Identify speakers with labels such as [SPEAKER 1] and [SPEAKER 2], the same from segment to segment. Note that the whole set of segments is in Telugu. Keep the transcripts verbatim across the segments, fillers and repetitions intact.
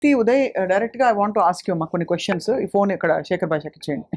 [SPEAKER 1] కీర్తి ఉదయ్ డైరెక్ట్గా I want to ask you మా కొన్ని క్వశ్చన్స్. ఈ ఫోన్ ఇక్కడ శేఖర్ భాషకి ఇచ్చేయండి.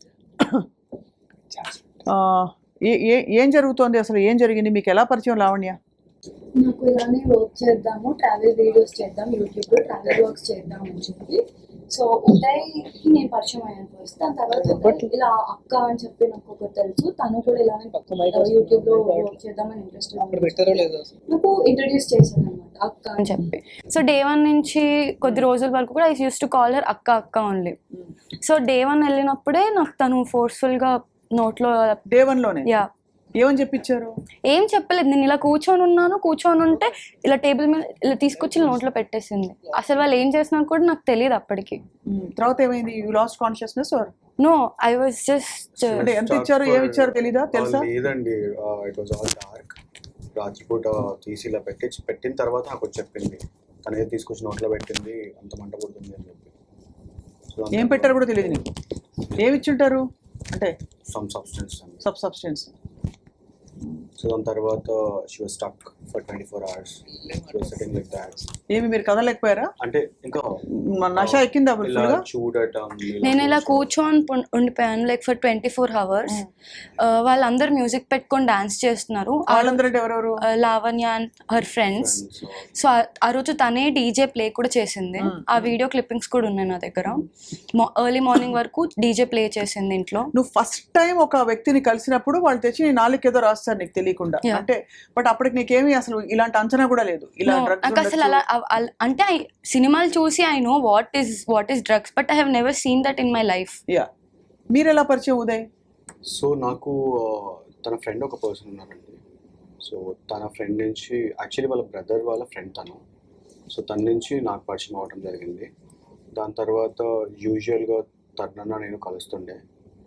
[SPEAKER 1] ఏ ఏ ఏం జరుగుతోంది అసలు, ఏం జరిగింది, మీకు ఎలా పరిచయం లావణ్య?
[SPEAKER 2] నాకు ఇలానే వర్క్ చేద్దాము, ట్రావెల్ వీడియోస్ చేద్దాం, యూట్యూబ్లో ట్రావెల్ వర్క్స్ చేద్దాం అని చెప్పి సో ఉదయ్కి నేను పరిచయం అయ్యాను ఫస్ట్. దాని తర్వాత ఉదయ్ ఇలా అక్క అని చెప్పి నాకు ఒకటి తెలుసు, తను కూడా ఇలానే యూట్యూబ్లో వర్క్ చేద్దామని ఇంట్రెస్ట్ నాకు ఇంట్రడ్యూస్ చేశాను అనమాట అక్క అని చెప్పి. సో డే వన్ నుంచి కొద్ది రోజుల వరకు కూడా I used to call her అక్క అక్క ఓన్లీ. సో డే వన్ వెళ్ళినప్పుడే నాకు తను ఫోర్స్ఫుల్గా నోట్లో
[SPEAKER 1] డే వన్ లోనే
[SPEAKER 2] యా
[SPEAKER 1] ఏమని చెప్పించారు?
[SPEAKER 2] ఏం చెప్పలేదు, నేను ఇలా కూర్చొని ఉన్నాను, కూర్చొని ఉంటే ఇలా టేబుల్ మీద ఇలా తీసుకొచ్చి నోట్లో పెట్టేసింది. అసలు వాళ్ళు ఏం చేస్తున్నారు కూడా నాకు తెలియదు అప్పటికి.
[SPEAKER 1] తర్వాత ఏమైంది? You lost consciousness or
[SPEAKER 2] no I was just
[SPEAKER 1] అంటే ఎంత ఇచ్చారు ఏమి ఇచ్చారు తెలీదా? తెలుసా?
[SPEAKER 3] లేదండి, ఇట్ వాస్ ఆల్ డార్క్. రాత్రిపూట తీసి ఇలా పెట్టి పెట్టిన తర్వాత నాకు చెప్పింది, తనే తీసుకొచ్చి నోట్లో పెట్టింది, అంత మంట పుడుతుంది అని చెప్పి.
[SPEAKER 1] ఏం పెట్టారు కూడా తెలియదు నీకు? ఏమి ఇచ్చింటారు అంటే?
[SPEAKER 3] Some substance.
[SPEAKER 1] Sub substance.
[SPEAKER 3] So దాని తర్వాత she was stuck for twenty four hours. She was sitting like that.
[SPEAKER 1] ఏమి మీరు కదలేకపోయారా?
[SPEAKER 3] అంటే ఇంకా
[SPEAKER 1] నష ఎక్కిందా?
[SPEAKER 3] చూడటం.
[SPEAKER 2] నేను ఇలా కూర్చొని ఉండిపోయాను like for twenty four hours. వాళ్ళందరూ మ్యూజిక్ పెట్టుకొని డాన్స్ చేస్తున్నారు.
[SPEAKER 1] వాళ్ళందరూ ఎవరెవరు?
[SPEAKER 2] Lavanya and her friends. So ఆ రోజు తనే డీజే ప్లే కూడా చేసింది. ఆ వీడియో క్లిప్పింగ్స్ కూడా ఉన్నాయి నా దగ్గర. ఎర్లీ మార్నింగ్ వరకు డీజే ప్లే చేసింది ఇంట్లో.
[SPEAKER 1] నువ్వు ఫస్ట్ టైం ఒక వ్యక్తిని కలిసినప్పుడు వాళ్ళు తెచ్చి నీ నాలుగు ఏదో రాస్తారు నీకు తెలియకుండా అంటే, బట్ అప్పటికి నీకేమి అసలు ఇలాంటి అంచనా కూడా లేదు ఇలా
[SPEAKER 2] నాకు అసలు అలా అంటే సినిమాలు చూసి I know what is what is drugs but I have never seen that in my life.
[SPEAKER 1] Yeah. మీరు ఎలా పరిచయం ఉదయ్?
[SPEAKER 3] సో నాకు తన ఫ్రెండ్ ఒక పర్సన్ ఉన్నారండి. సో తన ఫ్రెండ్ నుంచి యాక్చువల్లీ వాళ్ళ బ్రదర్ వాళ్ళ ఫ్రెండ్ తను. సో తన నుంచి నాకు పరిచయం అవ్వడం జరిగింది. దాని తర్వాత యూజువల్గా తరుణన్న నేను కలుస్తుండే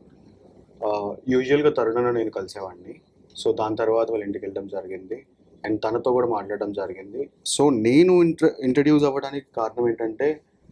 [SPEAKER 3] యూజువల్గా తరుణన్న నేను కలిసేవాడిని. సో దాని తర్వాత వాళ్ళ ఇంటికి వెళ్ళడం జరిగింది అండ్ తనతో కూడా మాట్లాడడం జరిగింది. సో నేను ఇంట్ర ఇంట్రడ్యూస్ అవ్వడానికి కారణం ఏంటంటే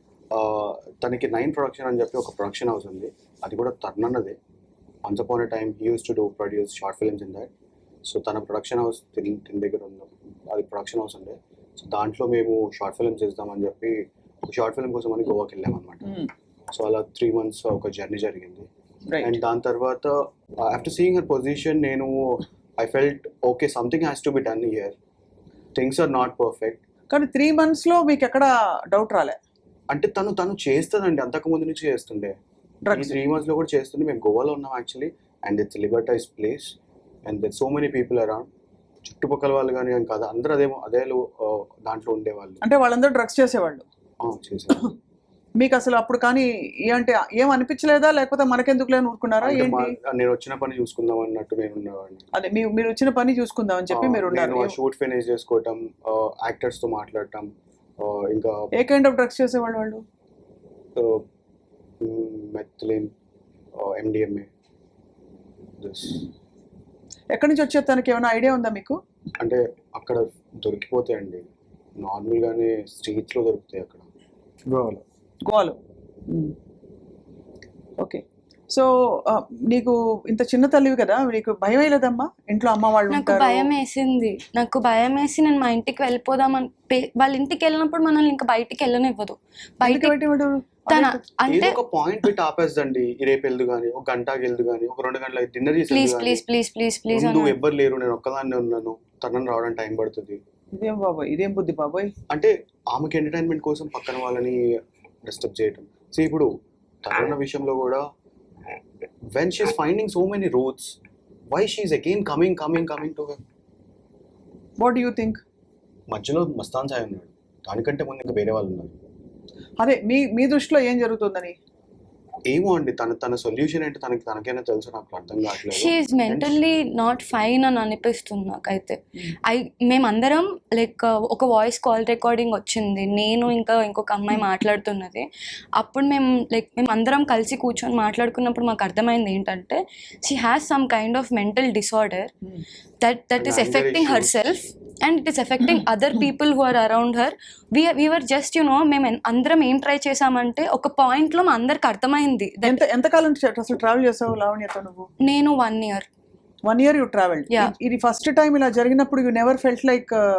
[SPEAKER 3] తనకి నైన్ ప్రొడక్షన్ అని చెప్పి ఒక ప్రొడక్షన్ హౌస్ ఉంది, అది కూడా తరుణన్నదే. Once upon a time he used to do produce short films in that. So తన ప్రొడక్షన్ హౌస్ తిన్ తిన్ దగ్గర ఉంది, అది ప్రొడక్షన్ హౌస్ ఉండే. సో దాంట్లో మేము షార్ట్ ఫిల్మ్స్ చేద్దామని చెప్పి ఒక షార్ట్ ఫిల్మ్ కోసం అని గోవాకి వెళ్ళామన్నమాట. సో అలా త్రీ మంత్స్ ఒక జర్నీ జరిగింది. అండ్ దాని తర్వాత ఆఫ్టర్ సీయింగ్ హర్ పొజిషన్ నేను I felt okay something has to be done here, things are not perfect.
[SPEAKER 1] కానీ త్రీ మంత్స్లో మీకు ఎక్కడ డౌట్ రాలే?
[SPEAKER 3] అంటే తను తను చేస్తుందండి, అంతకు ముందు నుంచి చేస్తుండే. ఈ త్రీ మంత్స్లో కూడా చేస్తుండే. మేము గోవాలో ఉన్నాం actually and it's liberalised place and there so many people around. చుట్టుపక్కల వాళ్ళు కానీ అని కాదు, అందరూ అదేమో అదే దాంట్లో ఉండేవాళ్ళు.
[SPEAKER 1] అంటే వాళ్ళందరూ డ్రగ్స్ చేసేవాళ్ళు?
[SPEAKER 3] చేసేవాళ్ళు.
[SPEAKER 1] మీకు అసలు అప్పుడు కానీ ఏంటి ఏం అనిపించలేదా, లేకపోతే మనకెందుకు లేని ఊరుకున్నారా? ఏంటి
[SPEAKER 3] నేను వచ్చిన పని చూసుకుందాం అన్నట్టు నేను ఉన్నవాడిని.
[SPEAKER 1] అదే మీరు వచ్చిన పని చూసుకుందాం అని చెప్పి మీరు ఉన్నారు.
[SPEAKER 3] షూట్ ఫినిష్ చేసుకోవటం, యాక్టర్స్ తో మాట్లాడటం. ఇంకా
[SPEAKER 1] ఏ కైండ్ ఆఫ్ డ్రగ్స్ చేసేవాళ్ళు వాళ్ళు?
[SPEAKER 3] Methylene, MDMA.
[SPEAKER 1] ఎక్కడి నుంచి వచ్చే తనకి ఏమైనా ఐడియా ఉందా మీకు?
[SPEAKER 3] అంటే అక్కడ దొరికిపోతాయండి, నార్మల్గానే స్ట్రీట్స్లో దొరుకుతాయి అక్కడ గోవాలో.
[SPEAKER 1] గోవాలో ఓకే. సో నీకు ఇంత చిన్న తల్లివి కదా, నీకు భయం వేయలేదమ్మా? ఇంట్లో అమ్మ వాళ్ళు
[SPEAKER 2] నాకు భయం వేసింది. నాకు భయం వేసి నేను మా ఇంటికి వెళ్ళిపోదామని, వాళ్ళ ఇంటికి వెళ్ళినప్పుడు మనల్ని ఇంకా బయటికి వెళ్ళనివ్వదు. బయట
[SPEAKER 3] అంటే ఒక పాయింట్ పెట్టి ఆపేస్తండి, రేపు వెళ్దు కానీ ఒక గంటకి వెళ్దు కానీ ఒక రెండు గంటలకి డిన్నర్ చేసి
[SPEAKER 2] please please please please please
[SPEAKER 3] నువ్వు ఎవ్వరు లేరు, నేను ఒక్కదాన్నే ఉన్నాను, తనని రావడానికి టైం పడుతుంది.
[SPEAKER 1] ఇదేం బాబాయ్, ఇదేం బుద్ధి బాబాయ్.
[SPEAKER 3] అంటే ఆమెకి ఎంటర్టైన్మెంట్ కోసం పక్కన వాళ్ళని డిస్టర్బ్ చేయటం. సో ఇప్పుడు తరుణ విషయంలో కూడా when she's finding so many roads, why she's again coming coming coming to her?
[SPEAKER 1] What do you think?
[SPEAKER 3] మధ్యలో మస్తాన్ సాయి ఉన్నాడు, దానికంటే ముందు ఇంకా వేరే వాళ్ళు ఉన్నారు.
[SPEAKER 1] అదే మీ మీ దృష్టిలో ఏం జరుగుతుందని?
[SPEAKER 3] ఏమో అండి, తన తన సొల్యూషన్ ఏంటి తనకి తనకైనా తెలుసు, నాకు అర్థం కావట్లేదు.
[SPEAKER 2] She is mentally not fine అని అనిపిస్తుంది నాకైతే. ఐ మేమందరం లైక్ ఒక వాయిస్ కాల్ రికార్డింగ్ వచ్చింది, నేను ఇంకా ఇంకొక అమ్మాయి మాట్లాడుతున్నది. అప్పుడు మేము లైక్ మేము అందరం కలిసి కూర్చొని మాట్లాడుకున్నప్పుడు మాకు అర్థమైంది ఏంటంటే she has some kind of mental disorder that that is affecting herself and it is affecting other people who are around her. we we were just you know మేము అందరం ఏం ట్రై చేసామంటే ఒక పాయింట్ లో మా అందరికి అర్థమైంది.
[SPEAKER 1] ఎంత ఎంత కాలం అసలు ట్రావెల్ చేసావు లావణ్యతో నువ్వు?
[SPEAKER 2] నేను one year
[SPEAKER 1] one year you travel. ఇది ఫస్ట్ టైం ఇలా జరిగినప్పుడు you never felt like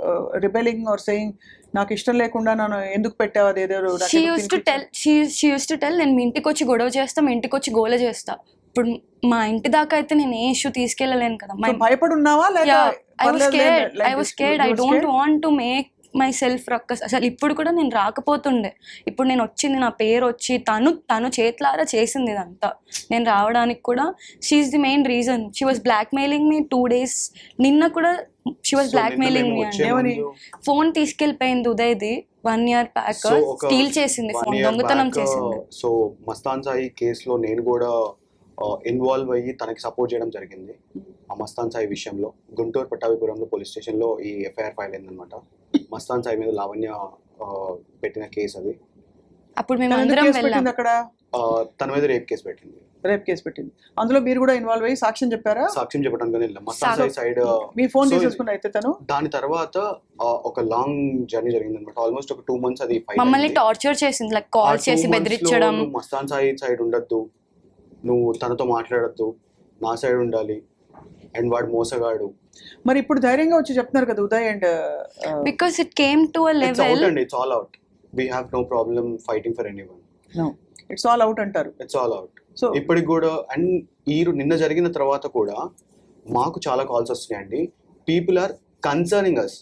[SPEAKER 1] rebelling or saying నాకు ఇష్టం లేకుండా నన్ను ఎందుకు పెట్టావు అదేదో నాకు
[SPEAKER 2] షీ
[SPEAKER 1] ఎందుకు
[SPEAKER 2] యూస్ టు
[SPEAKER 1] తినిపించావు?
[SPEAKER 2] Tell she she used to tell నేను మీ ఇంటికి వచ్చి గొడవ చేస్తా మీ ఇంటికి వచ్చి గోల చేస్తా. ఇప్పుడు మా ఇంటి దాకా అయితే నేను ఏ ఇష్యూ తీసుకెళ్ళలేను కదా.
[SPEAKER 1] So, భయపడి ఉన్నావా లేక
[SPEAKER 2] ఐ వాస్
[SPEAKER 1] పర్లేదు
[SPEAKER 2] scared
[SPEAKER 1] like
[SPEAKER 2] I was
[SPEAKER 1] this?
[SPEAKER 2] Scared
[SPEAKER 1] You
[SPEAKER 2] I
[SPEAKER 1] were
[SPEAKER 2] don't
[SPEAKER 1] scared?
[SPEAKER 2] Want to make myself ruckus. అసలు ఇప్పుడు కూడా నేను రాకపోతుండే. ఇప్పుడు నేను వచ్చింది నా పేరు వచ్చి తను తను చేతులారా చేసింది ఇదంతా. నేను రావడానికి కూడా she is the main reason. She was black mailing me two days. నిన్న కూడా షీ వాస్
[SPEAKER 3] So,
[SPEAKER 2] బ్లాక్
[SPEAKER 3] నిన్న
[SPEAKER 2] మెయిలింగ్
[SPEAKER 3] మేము
[SPEAKER 2] మీ
[SPEAKER 3] వచ్చే
[SPEAKER 2] అండి.
[SPEAKER 1] ఏమని?
[SPEAKER 3] ముందు-
[SPEAKER 2] phone తీసుకెళ్ళిపోయింది ఉదయ్ది one year back.
[SPEAKER 3] So, ఒక
[SPEAKER 2] స్టీల్ చేసింది,
[SPEAKER 3] one
[SPEAKER 2] ఫోన్
[SPEAKER 3] year
[SPEAKER 2] దొంగతనం
[SPEAKER 3] back,
[SPEAKER 2] చేసింది.
[SPEAKER 3] సో మస్తాన్ సాయి కేసులో నేను కూడా ఇన్వాల్వ్ అయ్యి తనకి సపోర్ట్ చేయడం జరిగింది. ఆ మస్తాన్ సాయి విషయంలో గుంటూరు పట్టాభిపురంలో పోలీస్ స్టేషన్లో ఈ ఎఫ్ఐఆర్ ఫైల్ అయిందనమాట. మస్తాన్ సాయి మీద లావణ్య ఆ, పెట్టిన కేసు అది.
[SPEAKER 2] అప్పుడు మేము
[SPEAKER 1] తను ఎందుకు
[SPEAKER 2] అందరం
[SPEAKER 1] కేసు
[SPEAKER 2] వెళ్ళాం.
[SPEAKER 1] పెట్టింది అక్కడ?
[SPEAKER 3] ఆ, తన మీద రేప్ కేసు పెట్టింది.
[SPEAKER 1] రేప్ కేసు పెట్టింది. అందులో మీరు కూడా ఇన్వాల్వ్ అయ్యి సాక్ష్యం చెప్పారా?
[SPEAKER 3] సాక్ష్యం చెప్పడానికి వెళ్ళాం. మస్తాన్ సాయి సైడ్
[SPEAKER 1] మీ ఫోన్
[SPEAKER 3] So,
[SPEAKER 1] తీసేసుకున్న అయితే తను
[SPEAKER 3] దాని తర్వాత ఆ, ఒక లాంగ్ జర్నీ జరిగింది అనమాట. ఆల్మోస్ట్ ఒక టూ మంత్స్ అది fight
[SPEAKER 2] మమ్మల్ని
[SPEAKER 3] అయింది.
[SPEAKER 2] టార్చర్ చేసింది, లైక్
[SPEAKER 3] ఆ
[SPEAKER 2] కాల్
[SPEAKER 3] two
[SPEAKER 2] చేసి
[SPEAKER 3] months లో
[SPEAKER 2] బెదిరించడం.
[SPEAKER 3] నువ్వు మస్తాన్ సాయి సైడ్ ఉండొద్దు, నువ్వు తనతో మాట్లాడద్దు, నా సైడ్ ఉండాలి, అండ్ వాడు మోసగాడు.
[SPEAKER 1] మరి ఇప్పుడు ధైర్యంగా వచ్చి చెప్తున్నారు కదా Uday and
[SPEAKER 2] because it came to uh
[SPEAKER 3] it's out
[SPEAKER 2] level.
[SPEAKER 3] అండి, it's all out. We have no problem fighting for anyone.
[SPEAKER 1] It's all out అంటారు.
[SPEAKER 3] It's all out.
[SPEAKER 1] సో
[SPEAKER 3] ఇప్పటికి కూడా అండ్ ఈ రో- నిన్న జరిగిన తర్వాత కూడా మాకు చాలా కాల్స్ వస్తున్నాయండి. People are concerning us.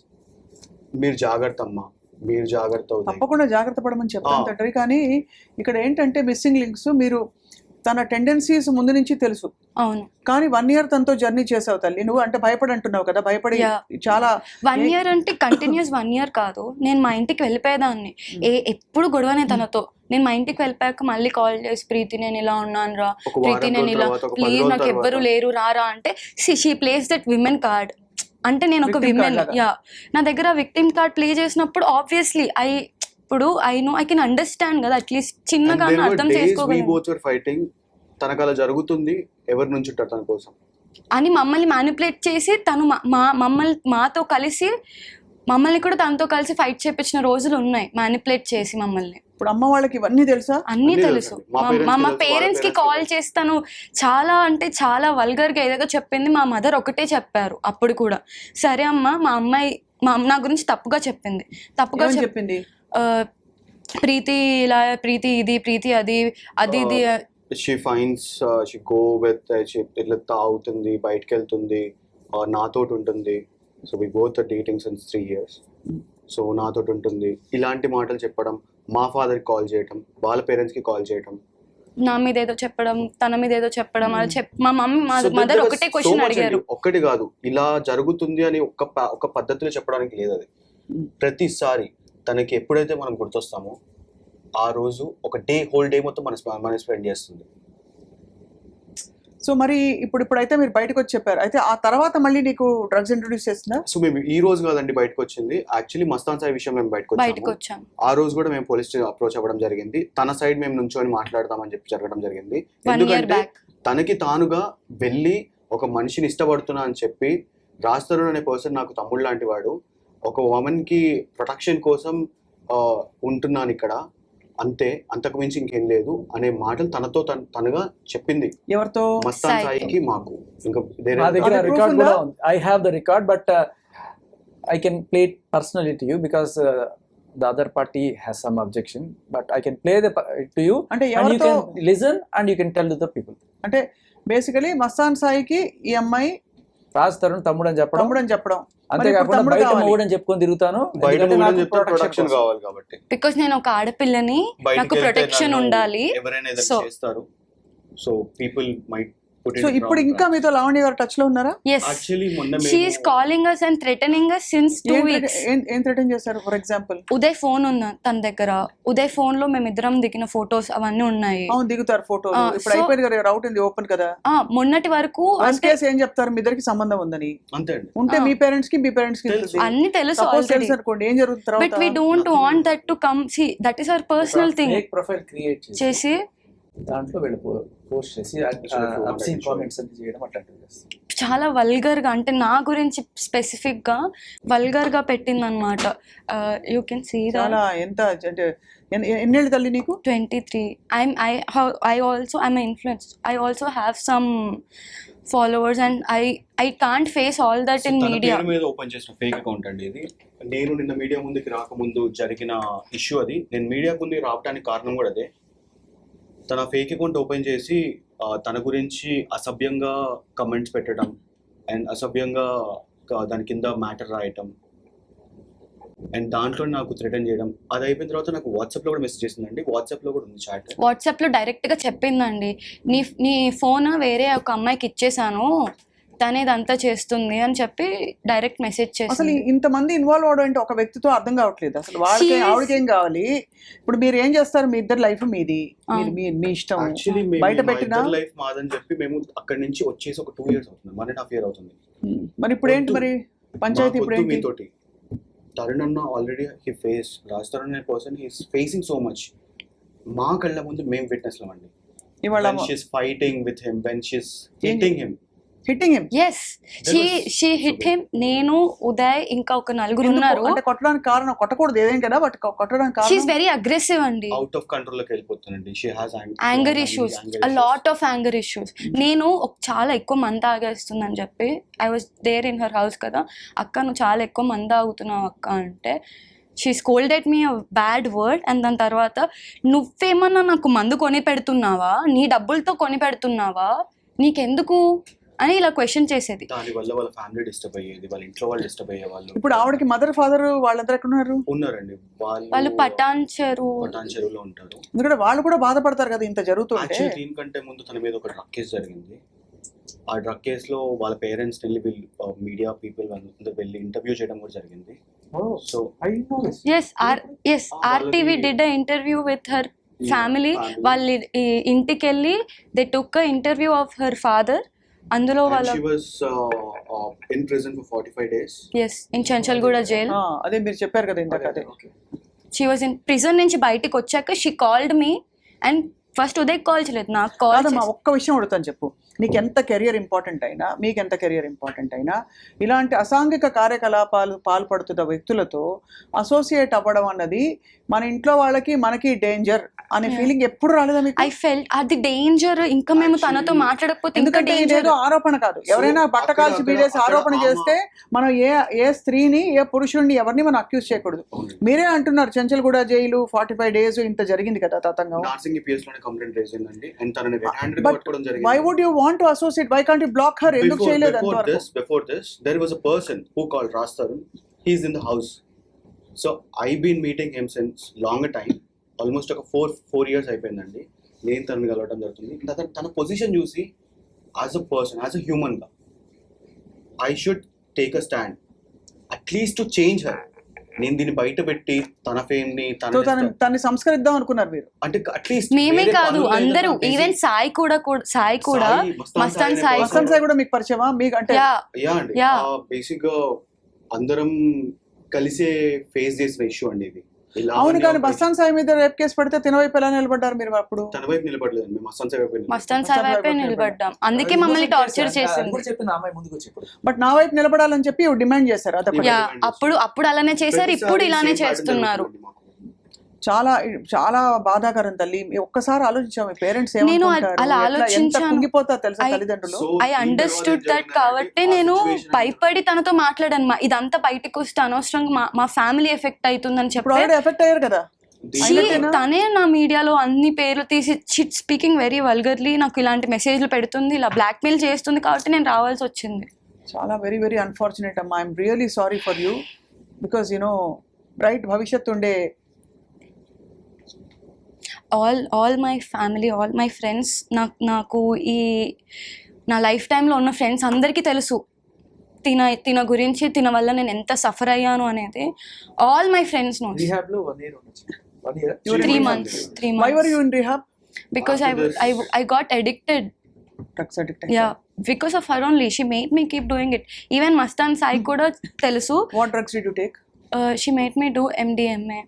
[SPEAKER 3] మీరు జాగ్రత్త అమ్మా, మీరు జాగ్రత్త అవుతాయి.
[SPEAKER 1] తప్పకుండా జాగ్రత్త పడమని చెప్తాను
[SPEAKER 3] ఆ.
[SPEAKER 1] తండ్రి. కానీ ఇక్కడ ఏంటంటే మిస్సింగ్ లింక్స్, మీరు తన టెండెన్సీస్ ముందు నుంచి తెలుసు,
[SPEAKER 2] అవును,
[SPEAKER 1] కానీ వన్ ఇయర్ తనతో జర్నీ చేసావు తల్లి. నువ్వు అంటే భయపడి అంటున్నావు కదా, భయపడి
[SPEAKER 2] Yeah.
[SPEAKER 1] చాలా
[SPEAKER 2] వన్ ఇయర్ అంటే కంటిన్యూస్ వన్ ఇయర్ కాదు. నేను మా ఇంటికి వెళ్ళిపోయేదాన్ని. ఏ ఎప్పుడు గొడవనే తనతో. నేను మా ఇంటికి వెళ్ళిపోయాక మళ్ళీ కాల్ చేసి ప్రీతి నేను ఇలా ఉన్నాను రా,
[SPEAKER 3] ఒక వారం
[SPEAKER 2] ప్రీతి నేను
[SPEAKER 3] రోజుల
[SPEAKER 2] ఇలా,
[SPEAKER 3] తర్వాత, ఒక పది
[SPEAKER 2] ప్లీజ్
[SPEAKER 3] రోజుల
[SPEAKER 2] నాకు ఎవ్వరు
[SPEAKER 3] తర్వాత
[SPEAKER 2] లేరు రారా అంటే she plays that women card. అంటే నేను ఒక
[SPEAKER 1] Victim card
[SPEAKER 2] విమెన్,
[SPEAKER 1] లాగా.
[SPEAKER 2] యా నా దగ్గర విక్టిమ్ కార్డ్ ప్లే చేసినప్పుడు ఆబ్వియస్లీ ఐ ఇప్పుడు I know I can understand కదా, అట్లీస్ట్ చిన్నగా అర్థం చేసుకోగలను
[SPEAKER 3] బోత్ వర్ ఫైటింగ్. తనకు అలా జరుగుతుంది, ఎవరి నుంచి ఉంటారు తన కోసం
[SPEAKER 2] అని మమ్మల్ని మ్యానిపులేట్ చేసి తను మా- మా మమ్మల్ని మాతో కలిసి మమ్మల్ని కూడా తనతో కలిసి ఫైట్ చేపించిన రోజులు ఉన్నాయి, మ్యానిపులేట్ చేసి మమ్మల్ని.
[SPEAKER 1] ఇప్పుడు అమ్మ వాళ్ళకి ఇవన్నీ తెలుసా?
[SPEAKER 2] అన్నీ
[SPEAKER 3] అన్నీ
[SPEAKER 2] తెలుసు.
[SPEAKER 3] తెలుసు. మా
[SPEAKER 2] మా
[SPEAKER 3] parents కి
[SPEAKER 2] మా
[SPEAKER 3] తెలుసు, వాళ్ళ
[SPEAKER 2] పేరెంట్స్ కి
[SPEAKER 3] parents కి
[SPEAKER 2] కాల్
[SPEAKER 3] తెలుసు.
[SPEAKER 2] చేస్తాను. చాలా అంటే చాలా వల్గర్ గా ఏదేదో చెప్పింది. మా మదర్ ఒకటే చెప్పారు అప్పుడు కూడా, సరే అమ్మ మా అమ్మాయి మా నా గురించి తప్పుగా చెప్పింది. తప్పుగా
[SPEAKER 1] ఏమని
[SPEAKER 2] చెప్
[SPEAKER 1] చెప్పింది?
[SPEAKER 2] ఆ, ప్రీతి ఇలా, ప్రీతి ఇది, ప్రీతి అది అది ఇది.
[SPEAKER 3] She fines she go with ఇట్లా తాగుతుంది, బయటకు వెళ్తుంది, uh, నాతోటి ఉంటుంది. So we both dating since three years. So నాతోటి ఉంటుంది, ఇలాంటి మాటలు చెప్పడం, మా ఫాదర్కి కాల్ చేయటం, వాళ్ళ పేరెంట్స్కి కాల్ చేయటం.
[SPEAKER 2] నా మీద ఏదో చెప్పడం, తన మీద ఏదో చెప్పడం, అలా చెప్ మా మమ్మీ మా
[SPEAKER 3] So
[SPEAKER 2] మదర్
[SPEAKER 3] there was
[SPEAKER 2] ఒకటే
[SPEAKER 3] so
[SPEAKER 2] క్వశ్చన్
[SPEAKER 3] much
[SPEAKER 2] అడిగారు.
[SPEAKER 3] అండి. ఒక్కటి కాదు, ఇలా జరుగుతుంది అని ఒక ప- ఒక పద్ధతిలో చెప్పడానికి లేదు అది. ప్రతిసారి తనకి ఎప్పుడైతే మనం గుర్తొస్తామో ఆ రోజు ఒక డే హోల్ డే మొత్తం మన స్ప- మన స్పెండ్ చేస్తుంది.
[SPEAKER 1] సో మరి ఇప్పుడు ఇప్పుడైతే మీరు బయటకు వచ్చి చెప్పారు, అయితే ఆ తర్వాత మళ్ళీ నీకు డ్రగ్స్ ఇంట్రొడ్యూస్ చేస్తున్నా?
[SPEAKER 3] సో మేము ఈ రోజు కాదండి బయటకు వచ్చింది. యాక్చువల్లీ మస్తాన్ సాయి విషయం మేము బయటకు
[SPEAKER 2] బయటకు
[SPEAKER 3] వచ్చాము.
[SPEAKER 2] వచ్చాం.
[SPEAKER 3] ఆ రోజు కూడా మేము పోలీస్ అప్రోచ్ అవ్వడం జరిగింది. తన సైడ్ మేము నుంచొని మాట్లాడతామని చెప్పి జరగడం జరిగింది.
[SPEAKER 2] వన్ ఇయర్
[SPEAKER 3] ఎందుకంటే
[SPEAKER 2] బ్యాక్
[SPEAKER 3] తనకి తానుగా వెళ్ళి ఒక మనిషిని ఇష్టపడుతున్నా అని చెప్పి, రాజ్ తరుణ్ అనే పర్సన్ నాకు తమ్ముడు లాంటి వాడు, ఒక ఉమెన్ కి ప్రొటెక్షన్ కోసం ఆ, ఉంటున్నాను ఇక్కడ, అంతే, అంతకు మించి ఇంకేం లేదు అనే మాటలు తనతో తన- తనగా చెప్పింది.
[SPEAKER 1] ఎవరితో?
[SPEAKER 3] మస్తాన్
[SPEAKER 2] సాయితో.
[SPEAKER 3] సాయికి మాకు ఇంకా వేరే
[SPEAKER 4] నా దగ్గర
[SPEAKER 1] అది proof
[SPEAKER 4] రికార్డ్
[SPEAKER 1] ఉందా?
[SPEAKER 4] కూడా ఉంది. I have the record but I can play it personally to you because the other party has some objection but I can play the to you
[SPEAKER 1] అంటే
[SPEAKER 4] అండ్ యూ
[SPEAKER 1] ఎవరితో?
[SPEAKER 4] Can listen and you can tell to the people.
[SPEAKER 1] అంటే బేసికలీ మస్తాన్ సాయికి ఈ అమ్మాయి
[SPEAKER 4] రాజ్ తరుణ్ తమ్ముడు అని చెప్పడం,
[SPEAKER 1] తమ్ముడు అని చెప్పడం,
[SPEAKER 4] అంతేకాకుండా
[SPEAKER 1] తమ్ముడు
[SPEAKER 4] బయట
[SPEAKER 1] కావాలి.
[SPEAKER 4] మూడని చెప్పుకొని తిరుగుతాను.
[SPEAKER 3] బయట
[SPEAKER 4] ఎందుకంటే
[SPEAKER 3] ఊళ్ళో
[SPEAKER 4] నాకు
[SPEAKER 3] చెప్తే
[SPEAKER 4] protection
[SPEAKER 3] ప్రొటెక్షన్
[SPEAKER 4] కోసం.
[SPEAKER 3] కావాలి కాబట్టి.
[SPEAKER 2] బికాస్ నేను ఒక ఆడపిల్లని,
[SPEAKER 3] బయటికి
[SPEAKER 2] నాకు
[SPEAKER 3] వెళ్తే
[SPEAKER 2] ప్రొటెక్షన్
[SPEAKER 3] నన్ను
[SPEAKER 2] ఉండాలి.
[SPEAKER 3] ఎవరైనా ఏదైనా
[SPEAKER 2] So-
[SPEAKER 3] చేస్తారు. So people might put
[SPEAKER 1] so ఇప్పుడు ఇంకా మీతో లావణ్య గారు టచ్ లో ఉన్నారా?
[SPEAKER 2] ఎస్,
[SPEAKER 3] యాక్చువల్లీ మొన్న
[SPEAKER 2] she is calling us and threatening us since two
[SPEAKER 1] ఏం
[SPEAKER 2] వీక్స్.
[SPEAKER 1] threat- ఏం- ఏం థ్రెటన్ చేశారు? ఫర్ ఎగ్జాంపుల్
[SPEAKER 2] ఉదయ్ ఫోన్ ఉంది తన దగ్గర. ఉదయ్ ఫోన్ లో మేమిద్దరం దిగిన ఫొటోస్ అవన్నీ ఉన్నాయి.
[SPEAKER 1] అవును దిగుతారు ఫోటోలు.
[SPEAKER 2] ఆ,
[SPEAKER 1] ఇప్పుడు
[SPEAKER 2] so-
[SPEAKER 1] అయిపోయింది కదా, రౌట్ ఉంది ఓపెన్ కదా.
[SPEAKER 2] ఆ మొన్నటి వరకు
[SPEAKER 1] వర్స్ట్
[SPEAKER 2] అంటే
[SPEAKER 1] కేసు ఏం చెప్తారు? మీ ఇద్దరికి సంబంధం ఉందని
[SPEAKER 3] అంతే అండి.
[SPEAKER 1] ఉంటే
[SPEAKER 2] ఆ.
[SPEAKER 1] మీ పేరెంట్స్ కి మీ పేరెంట్స్ కి
[SPEAKER 3] తెలుసు.
[SPEAKER 2] అన్ని తెలుసు
[SPEAKER 1] సపోజ్
[SPEAKER 2] ఆల్రెడీ.
[SPEAKER 1] తెలుసు అనుకోండి, ఏం జరుగుతుంది
[SPEAKER 2] బట్ వీ
[SPEAKER 1] తర్వాత?
[SPEAKER 2] Don't want that to come. See that is our personal thing.
[SPEAKER 4] Fake profile create చేసి
[SPEAKER 2] చేసి
[SPEAKER 4] దాంట్లో వెళ్ళి పోస్ట్ చేసి అబ్సీన్ కామెంట్స్ అది చేయడం అట్లాంటివి చేస్తాం.
[SPEAKER 2] చాలా వల్గర్ గా, అంటే నా గురించి స్పెసిఫిక్ గా వల్గర్ గా పెట్టింది అనమాట. యూ కెన్ సీ
[SPEAKER 1] చాలా ఎంత అంటే ఎన్ని- ఎన్నేళ్ళు తల్లి నీకు?
[SPEAKER 2] twenty-three. I'm I how I also I'm an influencer. I also have some followers and I I can't face all that in
[SPEAKER 3] తన
[SPEAKER 2] media.
[SPEAKER 3] పేరు మీద ఓపెన్ చేసిన ఫేక్ అకౌంట్ అండి ఇది. నేను నిన్న మీడియా ముందుకి రాకముందు జరిగిన ఇష్యూ అది. నేను మీడియా ముందుకు రావడానికి కారణం కూడా అదే. తన ఫేక్ అకౌంట్ ఓపెన్ చేసి ఆ, తన గురించి అసభ్యంగా కమెంట్స్ పెట్టడం అండ్ అసభ్యంగా క- దాని కింద మ్యాటర్ రాయటం అండ్ దాంట్లో నాకు థ్రెటన్ చేయడం. అది అయిపోయిన తర్వాత నాకు వాట్సాప్లో కూడా మెసేజ్ చేసిందండి. వాట్సాప్లో కూడా ఉంది చాట్.
[SPEAKER 2] వాట్సాప్లో డైరెక్ట్గా చెప్పిందండి, నీ నీ ఫోన్ వేరే ఒక అమ్మాయికి ఇచ్చేసాను, తనే ఇదంతా చేస్తుంది అని చెప్పి డైరెక్ట్ మెసేజ్
[SPEAKER 1] అసలు
[SPEAKER 2] చేసింది.
[SPEAKER 1] ఇంతమంది ఇన్వాల్వ్ అవడం అంటే ఒక వ్యక్తితో అర్థం కావట్లేదు అసలు. వాళ్ళకి
[SPEAKER 2] She is-
[SPEAKER 1] ఆవిడకి ఏం కావాలి? ఇప్పుడు మీరు ఏం చేస్తారు? మీ ఇద్దరు లైఫ్ మీది, మీరు మీ మీ ఇష్టం.
[SPEAKER 3] యాక్చువల్లీ
[SPEAKER 1] బయట పెట్టినా
[SPEAKER 3] లైఫ్ మాదని చెప్పి మేము అక్కడి నుంచి వచ్చేసి ఒక టూ ఇయర్స్ అవుతుంది, వన్ అండ్ హాఫ్ ఇయర్ అవుతుంది.
[SPEAKER 1] ఉమ్, మరి ఇప్పుడు ఏంటి మరి పంచాయతీ? ఇప్పుడు
[SPEAKER 3] మాకొద్దు
[SPEAKER 1] ఏంటి?
[SPEAKER 3] మీతోటి. తరుణ్ అన్న already he face Raj Tarun అనే person he's facing so much. మా కళ్ళ ముందు మేము విట్నెస్ అండి.
[SPEAKER 1] ఇవాళ
[SPEAKER 3] When she's fighting with him, when she's hitting him.
[SPEAKER 1] Hitting him.
[SPEAKER 2] Yes, she she hit him. నేను, ఉదయ్, ఇంకా ఒక నలుగురు ఉన్నారు.
[SPEAKER 1] అంటే కొట్టడానికి కారణం, కొట్టకూడదు ఏదేం కదా, బట్ కొట్టడానికి
[SPEAKER 2] షీఈస్
[SPEAKER 1] కారణం
[SPEAKER 2] వెరీ అగ్రెసివ్ అండి.
[SPEAKER 3] అవుట్ ఆఫ్ కంట్రోల్ లోకి వెళ్ళిపోతుందండి. She has
[SPEAKER 2] anger issues, a lot of anger issues. నేను ఒక చాలా ఎక్కువ మంది తాగేస్తుందని చెప్పి I was there in her house కదా, అక్క నువ్వు చాలా ఎక్కువ మంది తాగుతున్నావు అక్క అంటే she scolded me a bad word. And దాని తర్వాత నువ్వేమన్నా నాకు మందు కొని పెడుతున్నావా, నీ డబ్బులతో కొని పెడుతున్నావా, నీకెందుకు అని ఇలా క్వశ్చన్ చేసేది.
[SPEAKER 3] దాని వల్ల వాళ్ళ ఫ్యామిలీ డిస్టర్బ్ అయ్యేది, వాళ్ళ ఇంట్లో వాళ్ళు డిస్టర్బ్ అయ్యే వాళ్ళు.
[SPEAKER 1] ఇప్పుడు ఆవిడకి మదర్ ఫాదర్ వాళ్ళందరూ ఎక్కడ ఉన్నారు?
[SPEAKER 3] ఉన్నారండి. వాళ్ళు
[SPEAKER 2] వాళ్ళు పటాన్ చెరు
[SPEAKER 3] పటాన్ చెరువులో ఉంటారు.
[SPEAKER 1] ఎందుకంటే వాళ్ళు కూడా బాధపడతారు కదా ఇంత జరుగుతుంటే.
[SPEAKER 3] యాక్చువల్లీ దీనికంటే ముందు తన మీద ఒక డ్రగ్ కేసు జరిగింది. ఆ డ్రగ్ కేసులో వాళ్ళ పేరెంట్స్ వెళ్ళి వీళ్ళు మీడియా పీపుల్ వాళ్ళందరూ వెళ్ళి ఇంటర్వ్యూ చేయడం కూడా జరిగింది.
[SPEAKER 4] Oh,
[SPEAKER 3] so
[SPEAKER 4] I know this.
[SPEAKER 2] S R S RTV did a interview with her family.
[SPEAKER 3] family.
[SPEAKER 2] వాళ్ళ ఈ- ఇంటికి వెళ్ళి they took a interview of her father. అందులో వాళ్ళ
[SPEAKER 3] she was in prison for forty five days.
[SPEAKER 2] Yes in Chanchalguda jail.
[SPEAKER 1] ఆ, అదే మీరు చెప్పారు కదా ఇందాక. అదే
[SPEAKER 4] Okay.
[SPEAKER 2] She was in prison నుంచి బయటకు వచ్చాక she called me and first Uday call చేయలేదు, నాకు కాల్
[SPEAKER 1] కాదమ్మా, ఒక్క విషయం అడుగుతాను చెప్పు. నీకు ఎంత కెరియర్ ఇంపార్టెంట్ అయినా, మీకు ఎంత కెరియర్ ఇంపార్టెంట్ అయినా, ఇలాంటి అసాంఘిక కార్యకలాపాలు పాల్పడుతున్న వ్యక్తులతో అసోసియేట్ అవ్వడం అన్నది మన ఇంట్లో వాళ్ళకి మనకి డేంజర్ అనే ఫీలింగ్ ఎప్పుడు రాలేదా మీకు?
[SPEAKER 2] ఐ ఫెల్ట్ అది డేంజర్. ఇంకా మేము తనతో మాట్లాడకపోతే ఇంకా
[SPEAKER 1] ఎందుకంటే
[SPEAKER 2] డేంజర్.
[SPEAKER 1] ఇదేదో ఆరోపణ కాదు. ఎవరైనా బట్ట
[SPEAKER 3] అక్కడ-
[SPEAKER 1] కాల్చి
[SPEAKER 3] అక్కడ-
[SPEAKER 1] బీడేసి
[SPEAKER 3] అక్కడ
[SPEAKER 1] ఆరోపణ
[SPEAKER 3] ఆమా-
[SPEAKER 1] చేస్తే మనం ఏ ఏ స్త్రీని, ఏ పురుషుడిని, ఎవరిని మనం అక్యూజ్ చేయకూడదు. మీరే అంటున్నారు Chanchalguda jail forty five days ఇంత జరిగింది కదా తతంగం.
[SPEAKER 3] నార్సింగ్ పిఎస్ లోనే కంప్లైంట్ రేజ్ అయిందండి. అండ్ తనని రెడ్ హ్యాండెడ్
[SPEAKER 1] But
[SPEAKER 3] పట్టుకోవడం
[SPEAKER 1] వై
[SPEAKER 3] జరిగింది.
[SPEAKER 1] Would you want to associate? Why can't you block her? ఎందుకు
[SPEAKER 3] Before,
[SPEAKER 1] చేయలేదు
[SPEAKER 3] before
[SPEAKER 1] అంతవరకు?
[SPEAKER 3] this, before this, there was a person who called Raj Tarun. He's in the house. So I've been meeting him since longer time. Almost ఒక ఫోర్ ఫోర్ ఇయర్స్ అయిపోయిందండి. నేను తనని కలవడం జరుగుతుంది. తన తన పొజిషన్ చూసి as a person, as a human గా I should take a stand at least to change her. నేను దీన్ని బయట పెట్టి తన ఫేమ్ ని
[SPEAKER 1] సో
[SPEAKER 3] తన
[SPEAKER 1] తన తన్ని సంస్కరిద్దాం అనుకున్నారు మీరు?
[SPEAKER 3] అంటే అట్లీస్ట్
[SPEAKER 2] మేమే కాదు అందరూ, ఈవెన్ సాయి కూడా కూడా- సాయి కూడా మస్తాన్ సాయి
[SPEAKER 1] వసంత్ సాయి కూడా మీకు పరిచయమా? మీకు అంటే
[SPEAKER 2] యా
[SPEAKER 3] యా అండి.
[SPEAKER 2] Yeah.
[SPEAKER 3] బేసిక్ గా అందరం కలిసే ఫేస్ చేసిన ఇష్యూ అండి ఇది. ఇలా
[SPEAKER 1] అవును,
[SPEAKER 3] అవన్నీ
[SPEAKER 1] కానీ
[SPEAKER 3] ఒక-
[SPEAKER 1] బస్తాన్ సాయి మీద రేప్ కేసు పడితే తినవైపు ఎలా నిలబడ్డారు మీరు అప్పుడు?
[SPEAKER 3] తన వైపు నిలబడలేదండి. మేము మస్తాన్ సాయి వైపు నిలబడ్డాం.
[SPEAKER 2] మస్తాన్ సాయి వైపే నిలబడ్డాం. అందుకే మమ్మల్ని టార్చర్
[SPEAKER 4] అది
[SPEAKER 2] చేసింది.
[SPEAKER 4] కూడా చెప్పింది ఆ అమ్మాయి ముందుకు వచ్చి ఇప్పుడు.
[SPEAKER 1] బట్ నా వైపు నిలబడాలని చెప్పి డిమాండ్ చేశారు. అదొకటి.
[SPEAKER 2] యా అప్పుడు అప్పుడు అలానే చేశారు, ఇప్పుడు
[SPEAKER 3] ప్రతిసారి
[SPEAKER 2] ఇలానే
[SPEAKER 3] same pattern
[SPEAKER 2] చేస్తున్నారు.
[SPEAKER 3] జరుగుతుందండి మాకు.
[SPEAKER 1] చాలా చాలా బాధాకరం తల్లి. మీ ఒక్కసారి ఆలోచించాము మీ పేరెంట్స్
[SPEAKER 2] నేను
[SPEAKER 1] ఏమనుకుంటారు,
[SPEAKER 2] అలా
[SPEAKER 1] ఎట్లా- ఎంత
[SPEAKER 2] ఆలోచించాను.
[SPEAKER 1] కుంగిపోతారు తెలుసా
[SPEAKER 2] I-
[SPEAKER 1] తల్లిదండ్రులు.
[SPEAKER 3] So,
[SPEAKER 2] ఐ
[SPEAKER 3] దీని
[SPEAKER 2] అండర్స్టూడ్
[SPEAKER 3] తర్వాత
[SPEAKER 2] దట్
[SPEAKER 3] జరిగిన
[SPEAKER 2] కాబట్టి
[SPEAKER 3] ఆ
[SPEAKER 2] నేను
[SPEAKER 3] situation
[SPEAKER 2] భయపడి తనతో మాట్లాడాను. మా ఇదంతా బయటకు వస్తే అనవసరంగా మా మా ఫ్యామిలీ ఎఫెక్ట్ అవుతుందని
[SPEAKER 1] ఇప్పుడు
[SPEAKER 2] చెప్పి
[SPEAKER 1] ఆల్రెడీ ఎఫెక్ట్ అయ్యారు కదా.
[SPEAKER 3] దీని
[SPEAKER 2] She-
[SPEAKER 1] అయినట్టేనా?
[SPEAKER 2] తనే నా మీడియాలో అన్ని పేర్లు తీసి షిట్ స్పీకింగ్ వెరీ వల్గర్లీ నాకు ఇలాంటి మెసేజ్లు పెడుతుంది, ఇలా బ్లాక్మెయిల్ చేస్తుంది కాబట్టి నేను రావాల్సి వచ్చింది.
[SPEAKER 1] చాలా వెరీ వెరీ అన్ఫార్చునేట్ అమ్మా. I'm really sorry for you because you know bright భవిష్యత్తు ఉండే
[SPEAKER 2] all all my family, all my friends, నాకు నాకు ఈ నా లైఫ్ టైంలో ఉన్న ఫ్రెండ్స్ అందరికీ తెలుసు తిన తిన గురించి, తిన వల్ల నేను ఎంత సఫర్ అయ్యాను అనేది. All my friends no.
[SPEAKER 4] Rehab లో వన్ ఇయర్ ఉండొచ్చు. One year
[SPEAKER 1] You were
[SPEAKER 2] three
[SPEAKER 1] in
[SPEAKER 2] months three
[SPEAKER 1] why were
[SPEAKER 2] months
[SPEAKER 1] you in rehab?
[SPEAKER 2] Because I
[SPEAKER 3] After this-
[SPEAKER 2] I I got addicted.
[SPEAKER 1] Drugs addict.
[SPEAKER 2] Yeah because of her only she made me keep doing it. Even Mastan Sai కూడా తెలుసు.
[SPEAKER 1] What drugs did you take?
[SPEAKER 2] She made me do MDMA.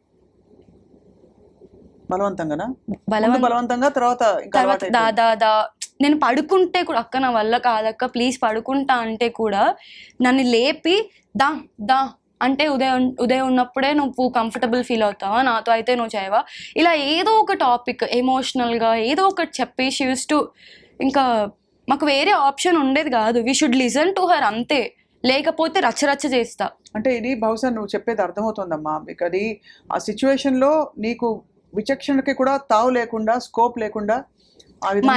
[SPEAKER 1] బలవంతంగానా? ముందు
[SPEAKER 2] బలవంత
[SPEAKER 1] బలవంతంగా, తర్వాత ఇంకా
[SPEAKER 2] తర్వాత
[SPEAKER 1] అలవాటు
[SPEAKER 2] దా
[SPEAKER 1] అయిపోయింది.
[SPEAKER 2] దా దా నేను పడుకుంటే కూడా అక్క నా వల్ల కాదక్క ప్లీజ్ పడుకుంటా అంటే కూడా నన్ను లేపి దా దా అంటే ఉదయం ఉదయం ఉన్నప్పుడే నువ్వు కంఫర్టబుల్ ఫీల్ అవుతావా, నాతో అయితే నువ్వు చేయవా, ఇలా ఏదో ఒక టాపిక్ ఎమోషనల్గా ఏదో ఒకటి చెప్పేసి యూస్ టు, ఇంకా మాకు వేరే ఆప్షన్ ఉండేది కాదు. We should listen to her అంతే, లేకపోతే రచ్చరచ్చ చేస్తా.
[SPEAKER 1] అంటే ఇది బహుశా నువ్వు చెప్పేది అర్థమవుతుందమ్మా, మీకు అది ఆ సిచ్యువేషన్లో నీకు విచక్షణకి కూడా తావు లేకుండా, స్కోప్ లేకుండా ఆ విధంగా